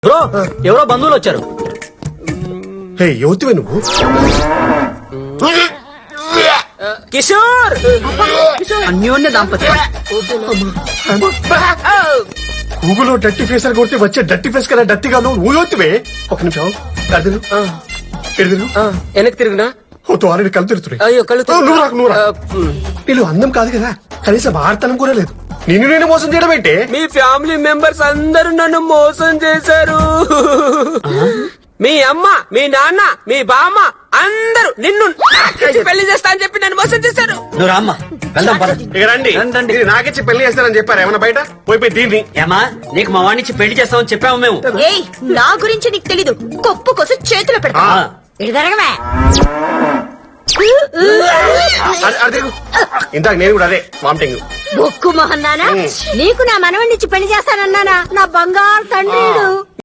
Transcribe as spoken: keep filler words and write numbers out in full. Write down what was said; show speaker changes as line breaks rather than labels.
Bro ఎవరో బంధువులు వచ్చారు.
హే యువతివే నువ్వు?
కిషోర్ అన్యోన్య దాంపత్యం.
గూగుల్లో డట్టి ఫేస్ అని కొడితే వచ్చే డట్టి ఫేస్ కదా డట్టిగా నువ్వు యువతివే. ఒక నిమిషం ఎడదిరు ఎడదిరు
వెనక్కి తిరుగునా?
ఓ ఆల్రెడీ కళ్ళు తిరుగుతున్నాయి.
అయ్యో కళ్ళు
ఓ, నువ్వు రాకు, నువ్వు రా. వీళ్ళు అందం కాదు కదా, కనీసం ఆడతనం కూడా లేదు. నిన్ను నేను మోసం చేయడం ఏంటే?
మీ ఫ్యామిలీ మెంబర్స్ అందరూ నన్ను మోసం చేశారు. మీ అమ్మ, మీ నాన్న, మీ బామ్మ అందరూ నిన్ను నాకిచ్చి పెళ్లి చేస్తా అని చెప్పి నన్ను మోసం చేశారు.
నువ్వు రామ్మా వెళ్దాం పద.
ఇక రండి
రండి.
ఇది నాకిచ్చి పెళ్లి చేస్తారని చెప్పారు. ఏమన్నా బయట పోయిపోయి దీన్ని
ఏమా నీకు మా వాడినిచ్చి పెళ్లి చేస్తామని చెప్పాము మేము.
ఏయ్ నా గురించి నీకు తెలీదు. కొప్పు కోసం చేతులు పెడతా.
ఆ.
ఇటు జరగవే.
అది- అది తిరుగు. ఇందాక నేను కూడా అదే వామిటింగ్.
బొక్కు మొహన్నానా, నీకు నా మనవణ్ణిచ్చి పెళ్లి చేస్తానన్నానా? నా బంగారు తండ్రి.